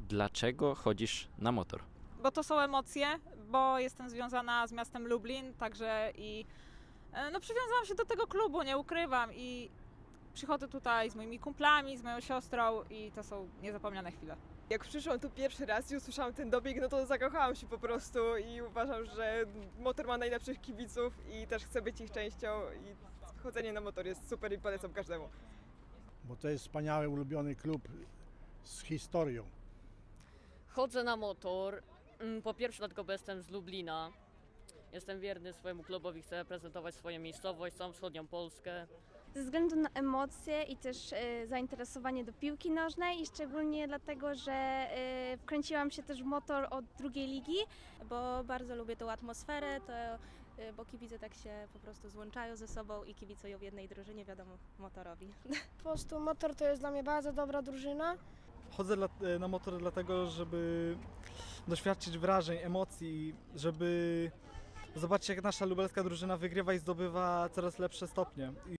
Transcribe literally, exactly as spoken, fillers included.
Dlaczego chodzisz na motor? Bo to są emocje, bo jestem związana z miastem Lublin, także i e, no przywiązałam się do tego klubu, nie ukrywam i przychodzę tutaj z moimi kumplami, z moją siostrą i to są niezapomniane chwile. Jak przyszłam tu pierwszy raz i usłyszałam ten dobieg, no to zakochałam się po prostu i uważam, że motor ma najlepszych kibiców i też chcę być ich częścią i chodzenie na motor jest super i polecam każdemu. Bo to jest wspaniały, ulubiony klub z historią. Chodzę na motor. Mm, Po pierwsze dlatego, bo jestem z Lublina. Jestem wierny swojemu klubowi, chcę reprezentować swoją miejscowość, całą wschodnią Polskę. Ze względu na emocje i też e, zainteresowanie do piłki nożnej i szczególnie dlatego, że e, wkręciłam się też w motor od drugiej ligi. Bo bardzo lubię tą atmosferę, to, y, bo kibice tak się po prostu złączają ze sobą i kibicują w jednej drużynie, wiadomo, motorowi. Po prostu motor to jest dla mnie bardzo dobra drużyna. Chodzę dla, na motor dlatego, żeby doświadczyć wrażeń, emocji, żeby zobaczyć jak nasza lubelska drużyna wygrywa i zdobywa coraz lepsze stopnie.